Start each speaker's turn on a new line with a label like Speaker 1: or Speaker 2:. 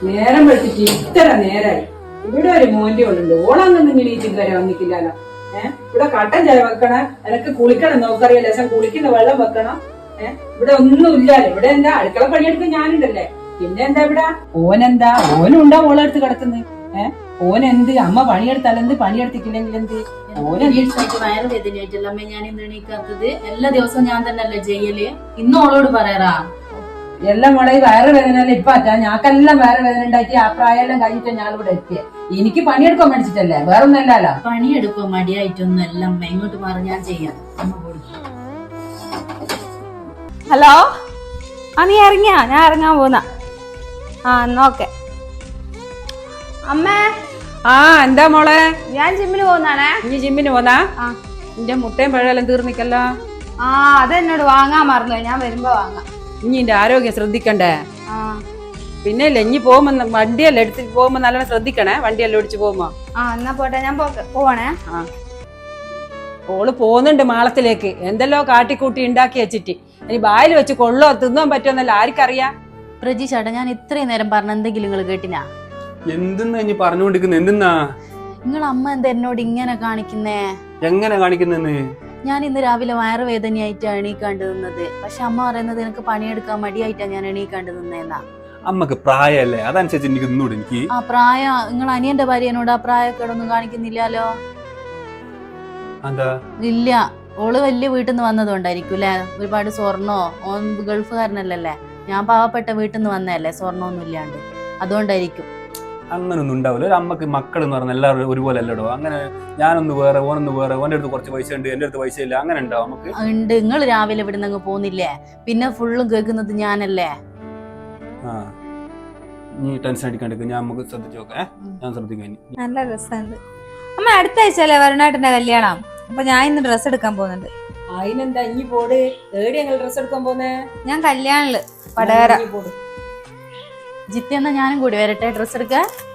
Speaker 1: നേരം വെച്ചിട്ട് ഇത്ര നേരായി. ഇവിടെ ഒരു മോന്റെ ഉള്ളുണ്ട്, ഓളൊന്നും ഇങ്ങനെ വരെ വന്നിക്കില്ലല്ലോ. ഇവിടെ കട്ടൻ ചായ വെക്കണം, എനക്ക് കുളിക്കണം, നോക്കറിയാം ലേശം കുളിക്കുന്ന വെള്ളം വെക്കണം. ഇവിടെ ഒന്നും ഇല്ലാലോ. ഇവിടെ എന്താ അടുക്കള പണിയെടുക്കാൻ ഞാനുണ്ടല്ലേ, പിന്നെ എന്താ ഇവിടെ ഓനെന്താ ഓനുണ്ടാ ഓളെടുത്ത് കിടക്കുന്നത്. ഓനെന്ത് അമ്മ പണിയെടുത്താലെന്ത്, പണിയെടുത്തിട്ടില്ലെങ്കിൽ എന്ത്.
Speaker 2: വയറുവേദനയായിട്ടല്ല അമ്മ ഞാൻ ഇന്ന് എണീക്കാത്തത്. എല്ലാ ദിവസവും ഞാൻ തന്നെ അല്ലേ ചെയ്യല്. ഇന്ന് ഓളോട് പറയാറാ
Speaker 1: എല്ലാം മോളെ വയറ് വേദന ഇപ്പാറ്റാ. ഞാക്കെല്ലാം വയറ് വേദന ഉണ്ടാക്കി ആ പ്രായമെല്ലാം കഴിഞ്ഞിട്ട് ഞാൻ ഇവിടെ എത്തിയ. എനിക്ക് പണിയെടുക്കാൻ മടിച്ചിട്ടല്ലേ, വേറൊന്നല്ലോ.
Speaker 2: പണിയെടുക്കാൻ മടിയായിട്ടൊന്നും അല്ല അമ്മ, ഇങ്ങോട്ട് മാറി ഞാൻ ചെയ്യാം. അമ്മ പോയി.
Speaker 3: ഹലോ, ആ നീ ഇറങ്ങിയാ? ഞാൻ ഇറങ്ങാൻ പോന്ന. ആ എന്നാ ഓക്കെ. അമ്മേ.
Speaker 1: ആ എന്താ മോളെ?
Speaker 3: ഞാൻ ജിമ്മിന് പോകുന്നാണേ.
Speaker 1: ഇനി ജിമ്മിന് പോന്നാ? നിന്റെ മുട്ടയും പഴയെല്ലാം തീർന്നിക്കല്ലോ.
Speaker 3: ആ അതെന്നോട് വാങ്ങാൻ മറന്നു, ഞാൻ വരുമ്പോ വാങ്ങാം.
Speaker 1: ഇനി എന്റെ ആരോഗ്യം ശ്രദ്ധിക്കണ്ടേ? പിന്നെ ഇല്ല, ഇനി പോകുമ്പോ വണ്ടിയെല്ലാം എടുത്തിട്ട് പോകുമ്പോ നല്ലോണം ശ്രദ്ധിക്കണേ, വണ്ടിയെല്ലാം ഓടിച്ചു പോകുമ്പോ.
Speaker 3: ആ എന്നാ പോട്ടെ, ഞാൻ പോവാണേ.
Speaker 1: ഓള് പോകുന്നുണ്ട് മാളത്തിലേക്ക്, എന്തെല്ലോ കാട്ടിക്കൂട്ടി ഉണ്ടാക്കി വെച്ചിട്ട്. ഇനി ബായിൽ വെച്ച് കൊള്ളോ തിന്നാൻ പറ്റുമെന്നല്ല ആർക്കറിയാം.
Speaker 2: പ്രജീഷേട്ടാ, ഞാൻ ഇത്രയും നേരം പറഞ്ഞ എന്തെങ്കിലും നിങ്ങൾ കേട്ടിനാ?
Speaker 4: എന്തെന്നാ ഇനി പറഞ്ഞുകൊണ്ടിരിക്കുന്നത്? എന്തെന്നാ
Speaker 2: നിങ്ങൾ അമ്മ എന്താ എന്നോട് ഇങ്ങനെ കാണിക്കുന്നേ?
Speaker 4: എങ്ങനെ കാണിക്കുന്നെന്ന്?
Speaker 2: ഞാൻ ഇന്ന് രാവിലെ വയറുവേദനയായിട്ടാണ് എണീക്കാണ്ട് നിന്നത്. പക്ഷെ അമ്മ പറയുന്നത് എനിക്ക് പണിയെടുക്കാൻ മടിയായിട്ടാ ഞാൻ എണീക്കാണ്ട് നിന്നേന്നാ.
Speaker 4: അമ്മക്ക് പ്രായമല്ലേ, അതനുസരിച്ച് എനിക്ക് നിന്നൂടെ. എനിക്ക്
Speaker 2: ആ പ്രായം, നിങ്ങൾ അനിയന്റെ ഭാര്യനോട് ആ പ്രായക്കേടൊന്നും കാണിക്കുന്നില്ലല്ലോ.
Speaker 4: എന്താ?
Speaker 2: ഇല്ല, ഓള് വലിയ വീട്ടിൽ നിന്ന് വന്നതുകൊണ്ടായിരിക്കും അല്ലെ. ഒരുപാട് സ്വർണ്ണോ, ഓൻ ഗൾഫുകാരനല്ലേ. ഞാൻ പാവപ്പെട്ട വീട്ടിൽ നിന്ന് വന്നതല്ലേ, സ്വർണ്ണമൊന്നും ഇല്ലാണ്ട്. അതുകൊണ്ടായിരിക്കും.
Speaker 4: അങ്ങനൊന്നും ഉണ്ടാവില്ല. ഒരു അമ്മക്ക് മക്കൾ എന്ന് പറഞ്ഞാൽ എല്ലാവരും ഒരുപോലെ അല്ലടോ. അങ്ങനെ ഞാനൊന്ന് വേറെ, ഓനൊന്ന് വേറെ, ഓൻ്റെ അടുത്ത് കുറച്ച് പൈസ ഉണ്ട്, എന്റെ അടുത്ത് പൈസ ഇല്ല, അങ്ങനെ ഉണ്ടാവും നമുക്ക്?
Speaker 2: ഉണ്ട്. നിങ്ങൾ രാവിലെ ഇവിടെ നിന്ന് പോന്നില്ലേ, പിന്നെ ഫുള്ളും കേൾക്കുന്നത് ഞാനല്ലേ.
Speaker 4: ആ, നീ ടെൻഷൻ അടിക്കാണ്ടിരിക്കും, ഞാൻ നമുക്ക് ശ്രദ്ധിച്ചു നോക്കാം. ഞാൻ ശ്രദ്ധിക്കാൻ.
Speaker 3: നല്ല രസമുണ്ട്. അമ്മ അടുത്ത ആഴ്ചയല്ലേ വരുണായിട്ടെന്റെ കല്യാണം, അപ്പൊ ഞാൻ ഇന്ന് ഡ്രസ്സ് എടുക്കാൻ പോകുന്നുണ്ട്.
Speaker 1: അതിനെന്താ ഇനി പോട്. ഏടി ഞങ്ങൾ ഡ്രസ് എടുക്കാൻ പോന്നേ?
Speaker 3: ഞാൻ കല്യാണില് പടകര.
Speaker 2: ജിത്തി എന്നാ ഞാനും കൂടി വരട്ടെ ഡ്രസ്സ് എടുക്കാൻ.